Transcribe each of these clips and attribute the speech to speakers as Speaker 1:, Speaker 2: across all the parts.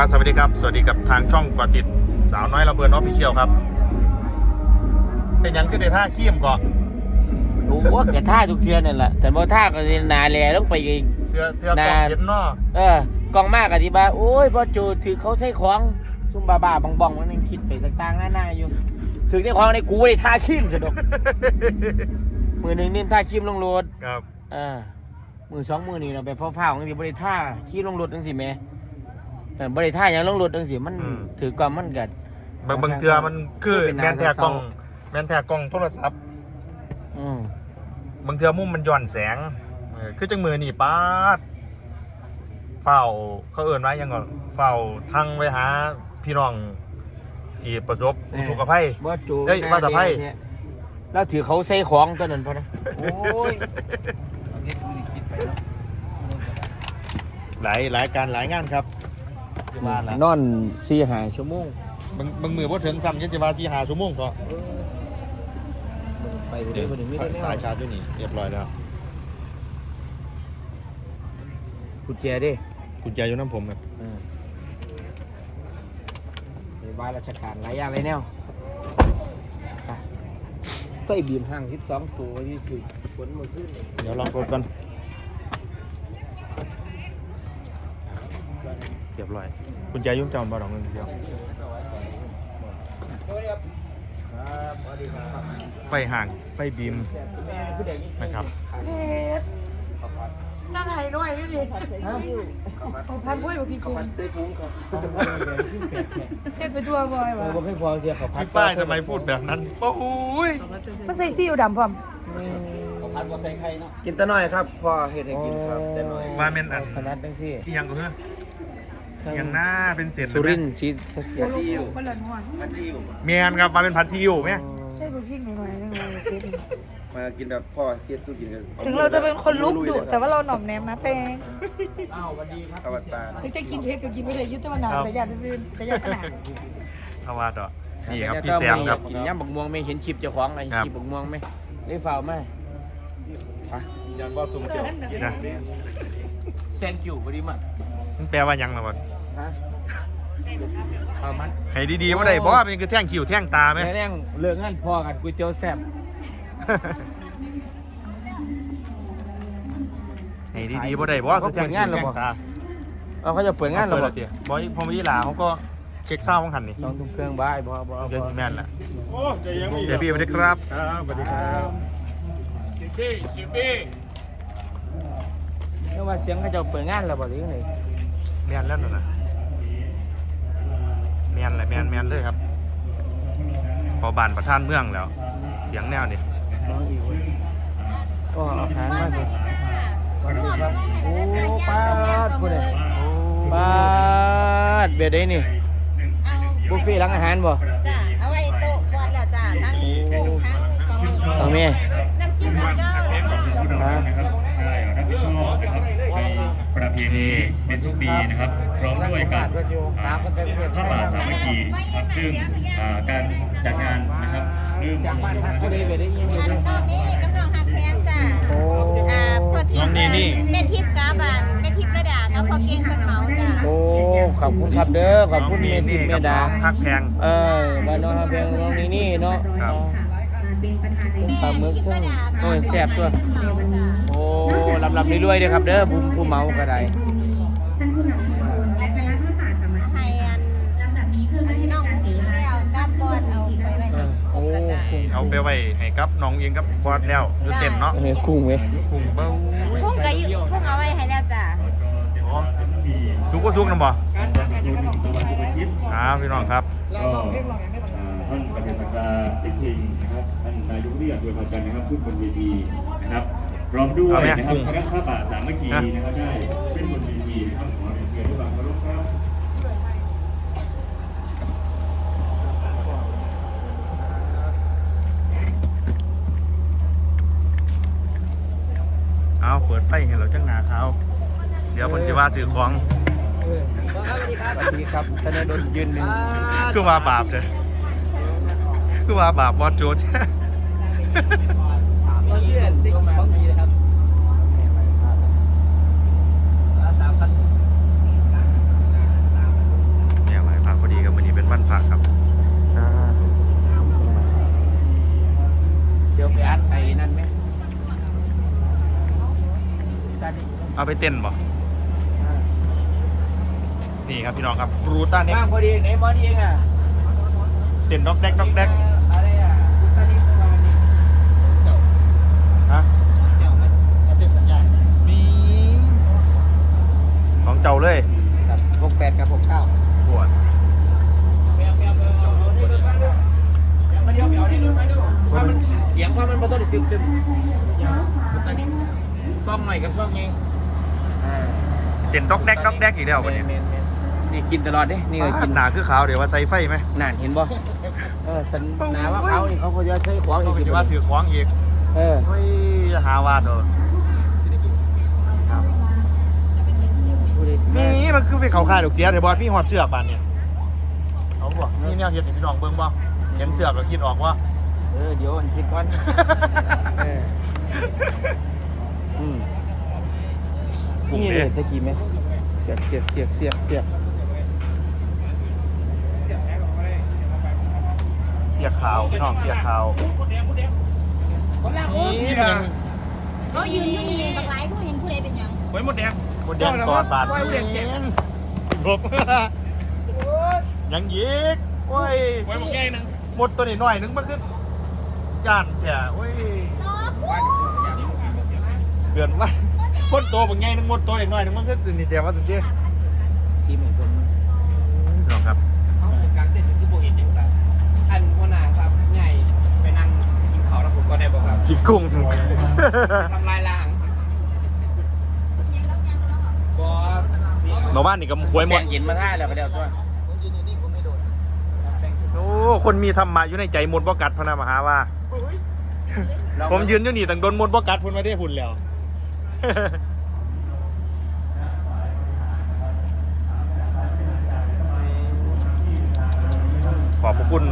Speaker 1: ครับสวัสดีครับสวัสดีกับทางช่องกอติดสาวน้อยระเบิดออฟฟิเชียลครับเป็นยังขึ้นในท่าขี้มก่อน
Speaker 2: โอ้แกท่าทุกเทือนนั่นแหละแต่พอท่าก็นาแลต้องไป
Speaker 1: เทือกองเห็นเนาะ
Speaker 2: กองมากอธิบายโอ้ยพอจูถือเขาใช้ของซุ่มบ้าๆบองๆมันยังคิดไปต่างๆหน้าอยู่ถือใช้ของในกูได้ท่าขี้มสะดวกมือหนึ่งนี่ท่าขี้มลงรถ
Speaker 1: ครับ
Speaker 2: มือสองมือนี่เราไปเฝ้าๆกันที่บริท่าขี้ลงรถจังสิแม่บริท่าอย่างลงรถจังสิมันถือกล่องมันกัด
Speaker 1: บางเทือมันคือแมนแทกกล้องโทรศัพท์บางเทือมุมมันย้อนแสงคือจังมือนี่ป้าดเฝ้าเขาเอิ่นไว้ยังก่อนเฝ้าทั้งไว้หาพี่น้องที่ประสบอุทกภัยว่าตะไพ่
Speaker 2: แล้วถือเขาใส่ของตัวนั้นพอนะโอ้ย
Speaker 1: หลายการหลายงานครับ
Speaker 2: นอน4-5 ชั่วโมง
Speaker 1: บางมือพอถึงซ้ำยันจะมา4-5 ชั่วโมงก็
Speaker 2: ไปเดี๋ยว
Speaker 1: สายชาร์จด้วยนี่เรียบร้อยแล้ว
Speaker 2: กุญแจดิ
Speaker 1: กุญแจอยู่น้ำผมครับ
Speaker 2: ในบ้านราชการหลายอย่างเลยแนวไฟบีมห่าง12 ตัวที่จุดฝนมาขึ้น
Speaker 1: เดี๋ยวลองกดกันเรียบร้อยกุญแจยุ่งจำบ่ดอกเงินเดียวไฟห่างไฟบีมนะครับ
Speaker 3: นั่งไห้ด้วยอยู่ดิพันพ่อยบอกพี่กุ้งเช็ดไปทั่วบ่อยวะ
Speaker 2: ไม่พอเดียวเขา
Speaker 1: พี่ฝ้ายทำไมพูดแบบนั้นโอ้ย
Speaker 3: มันใส่ซีอิ๊วดำพร้อม
Speaker 2: เขาพันว่าใส่ไข่เนาะ
Speaker 4: กินแต่น้อยครับพอเห็ดให้กินครับแต่น้อย
Speaker 1: ว่าเมนอัน
Speaker 2: ขนาดนั้นสิ
Speaker 1: ที่ยังก็คือยังหน้าเป็นเศษ
Speaker 2: สุรินทร์ชีส
Speaker 3: ผัดซีอิ๊วผัดซีอิ๊ว
Speaker 1: เมียนครับมาเป็นผัดซีอิ๊วไหม
Speaker 3: ใช่บุพริกหน่อยๆนึงเลย
Speaker 4: มากินแบบพ่อเฮ็ดสู้กินกัน
Speaker 3: ถึงเราจะเป็นคนลุกดุแต่ว่าเราหน่อมแนมนะแตง
Speaker 4: อวตาร
Speaker 3: นี่จะกินเผ็ดก็กินไม่ได้ยุติมานานแต่อยากจะซื้อแต่อยากขนาด
Speaker 1: เอาว่าต่อนี่ครับพี่แซมครับ
Speaker 2: กินย่ำบักม่วงไหมเห็นคลิปเจ้าของไอ้คลิปบักม่วงไหมได้ฝ่าไหม
Speaker 1: ยันว่าซุ่มเกี่ยวนะ
Speaker 2: thank you very much
Speaker 1: มันแปลว่ายังนะวะ
Speaker 2: เอามั้ย
Speaker 1: ให้ดีๆว่าได้บอกว่าเป็นคือแท่งคิ้วแท่งตาไหม
Speaker 2: แท่งเลือกงั้นพอกันก๋วยเตี๋ยวแซ่บ
Speaker 1: ให้ดีๆว่าได้บอกว่าคือแท่งคิ้วแท่งตา
Speaker 2: เขาจะเปิดงานหรอ
Speaker 1: เดี๋ยวบอยพอมายี่หลาเขาก็เช็คเศร้าของหันนี่
Speaker 2: ต้องเครื่องบ้ายบอ
Speaker 1: เจสแมนแหละเดี๋ยวพี่สวัสดีครับสวัสดีครับ
Speaker 2: ชิปี้เรียกว่าเสียงเขาจะเปิดงานหรอบ่หรือยังไง
Speaker 1: แมนแล้วนะแมนเลยแมนเลยครับพอบานประท่านเมืองแล้วเสียงแนวนี่
Speaker 2: ก็อาหารมากเลยโอ้ป้าดพูดเลยป้าดเบียดได้นี่บุฟเฟ่ร้านอาหารบ่
Speaker 5: จ้าเอาไว้โต๊ะบอลแล้วจ้าทั้ง
Speaker 2: เอาเมีย
Speaker 5: น้ำจิ้มแล้ว
Speaker 6: ก็ประเพณีเป็นทุกปีนะครับพร้อมด้วยกับพระป่าสามัคคีครับซึ่งการจัดงานนะครับเริ่ม
Speaker 2: จากบ้านพักผู้ใดเบียดได้ยินอยู่
Speaker 5: น้องนี่กำลังหักแพงจ้าพอทิพย์แม่ทิพย์กาบานแม่ทิพย์ระดากับพอเก่งเป็นเมาจ้า
Speaker 2: โอ้ขอบคุณครับเด้อขอบคุณแม่ทิพย์แม่ดา
Speaker 1: ฮักแพง
Speaker 2: บ้านน้องฮักแพงน้องนี่เนาะปลาหมึกทั้งโอ้ยแซ่บตัวโอ้ลำเรื่อยๆเลยครับเด้อผู้เมาก็ได้
Speaker 5: ท่านผู้นำชุมชนและคณะพระป่าสามัคคีลำดับนี้เพื่อไม่ให้น้องสีแล้วกับบอลเอาไปไว้
Speaker 1: เอาไปไว้ให้กับน้องเองกับบอสแล้วยูเต็มเนาะ
Speaker 2: กุ้งไหม
Speaker 1: กุ้งเบ้า
Speaker 5: กุ้งกับกุ้งเอาไว้ให้แล้วจ้า
Speaker 1: ซุกก็ซุกนะบ่พี่น้องครับ
Speaker 6: ท่านประธานสภาติดพิงนะครับท่านนายกเรียกโดยพาจันนะครับขึ้นบนเวทีนะครับพร้อมด้วยนะครับคณะพระป่าสามัคคีนะครับได้ขึ้นบนเวทีนะครับขอเรียนเชิญด้วยความเคารพครับ
Speaker 1: เอาเปิดไฟให้เราจังหนาเขาเดี๋ยวคนจะว่าถือของ
Speaker 2: สวัสดีครับธนดลยืนหนึ่ง
Speaker 1: คือว่าบาปเลยคือว่าบาปบอสโจดเอาไปเต้นบ่นี่ครับพี่น้องครับรูต้าเน็ก
Speaker 2: บ้างพอดีไหนมอดีเองอ่ะ
Speaker 1: เต้นด็อกแดกด็อกแดก
Speaker 2: อะไรอ่ะคุณตาดีประมาณนี้
Speaker 1: ฮะ
Speaker 4: เจ้ามันเส้นสัญญาณ
Speaker 1: มีของเจ้าเลย
Speaker 4: ครับ68กับ69
Speaker 1: ปวด
Speaker 2: ถ้ามันเสียงความมันบ่ต้องตึมตอนนี้ซ่อมหน่อยกับซ่อมไง
Speaker 1: เต้นด็อกแดกด็อกแดกอีกแล้ววันนี้
Speaker 2: นี่กินตลอดเด้นี่ก็กิน
Speaker 1: หนาคือขาวเดี๋ยวว่าใส่ไฟไหม
Speaker 2: นานเห็นบ่ฉันหนาว่าเขานี่เขาจะใช้ขวาง
Speaker 1: ต้อง
Speaker 2: อีก
Speaker 1: คิดว่าถือขวางอีก เฮ้ยอย่าหาวาดเถอะครับนี่มันคือไปเขาค่ายดอกเสียเดี๋ยวบอสพี่หอดเสือกบานเนี่ยเอาบ่นี่แนวเห็ดให้พี่น้องเบิ่งบ่เห็นเสือกก็คิดออกว่า
Speaker 2: เดี๋ยวอันคิดก่อนนี่เลยตะกี้ไหมเสียบ
Speaker 1: เสียกขาวพี่น้องเสียกขาวนี่มันยัง
Speaker 3: เขายืนอยู่นี่บางหลายผู้เห็นผู้ใดเป็นหยัง
Speaker 1: มดแดงตอดบาดเองบกยังยิกโอ้ยหมดตัวนี้หน่อยนึงมันคือย่านแท้โอ้ยเดือนว่าคนโตบางไงนึงหมดตัวนี้หน่อยนึงมันคือนี่แต่ว่าสุดที่
Speaker 2: ซีเหมือนคน
Speaker 1: พี่น้องครับ
Speaker 2: เขาเป็นการเต้นที่โบเห็นจังสันอันหัวหน้าครับใหญ่ไปนั่งกินข้าวแล้วผมก็ได้บอกครับ
Speaker 1: กินกุ้ง
Speaker 2: ทำลายล้างบอส
Speaker 1: หมู่บ้านนี่ก็ควยหมด
Speaker 2: แบ่งเย็นมาท่าแล้วก็เดี๋ยวตัว
Speaker 1: โอ้คนมีธรรมะอยู่ในใจมนต์บ่กัดพระนามหาว่า ผมยืนอยู่นี่ตั้งโดนมนต์บ่กัดพุ่นมาได้พุ่นแล้ว ขอบพระคุณ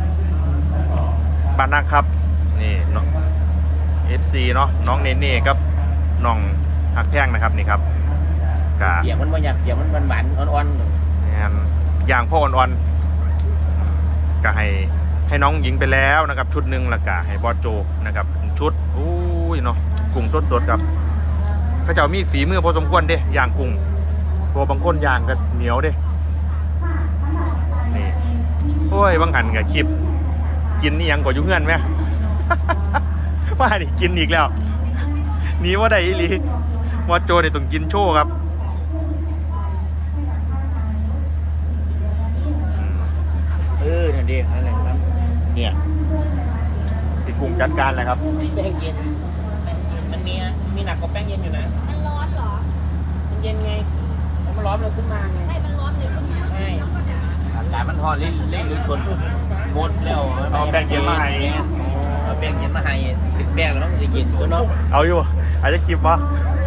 Speaker 1: บ้านนักครับนี่น้อง FC เนาะน้องเนเน่ครับน้องหักแพงนะครับนี่ครับกะ
Speaker 2: เปียกมันบ่อยากเปียกมันหวานๆอ่อน
Speaker 1: อย่างพ่ออ่อนๆก็ให้น้องหญิงไปแล้วนะครับชุดหนึ่งแล้วก็ให้บอสโจนะครับชุดอุ้ยเนาะกุ้งสดๆครับเขาจะมีฝีมือพอสมควรเด้ย่างกุ้งตัวบางคนย่างก็เหนียวเด้นี่โอ้ยบางหันกับคลิปกินนี่ยังกว่ายุ่งเงินไหม ว่าดิกินอีกแล้วหนีว่าได้อีหลีบอสโจเนี่ยต้องกินโชว์ครับ
Speaker 2: นั่นดีนั่นแหละครับ
Speaker 1: เนี่ยพี่กุ้งจัดการเลยครับ
Speaker 2: แป้งเย็นมันมีหนักกว่าแป้งเย็นอยู่นะ
Speaker 3: มันร้อนเหรอ
Speaker 2: มันเย็นไงแล้วมันร้อนเลยขึ้นมาไง
Speaker 3: ใช่มันร้อนเลยขึ้นมา
Speaker 2: ใช่อากาศมันร้อนเล่นหรือคนหมดแล้ว
Speaker 1: เอาแป้งเย็นมาให้
Speaker 2: เอาแป้งเย็นมาให้ติดแป้งแล้วมันจะเย็นกว่าเนาะ
Speaker 1: เอาอยู่อาจจะคลิปวะ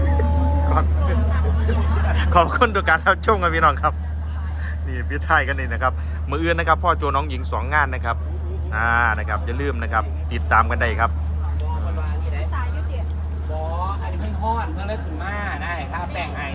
Speaker 1: ขอบคุณทุกการรับชมกันพี่น้องครับนี่พี่ไทยกันนี่นะครับมืออื่นนะครับพ่อโจน้องหญิง2 งานนะครับนะครับอย่าลืมนะครับติดตามกันได้ครับ
Speaker 3: ตายอยู่เดียว
Speaker 2: บออันนี้มันทอดมันเลยขึ้นมาได้ครับแป้งไอ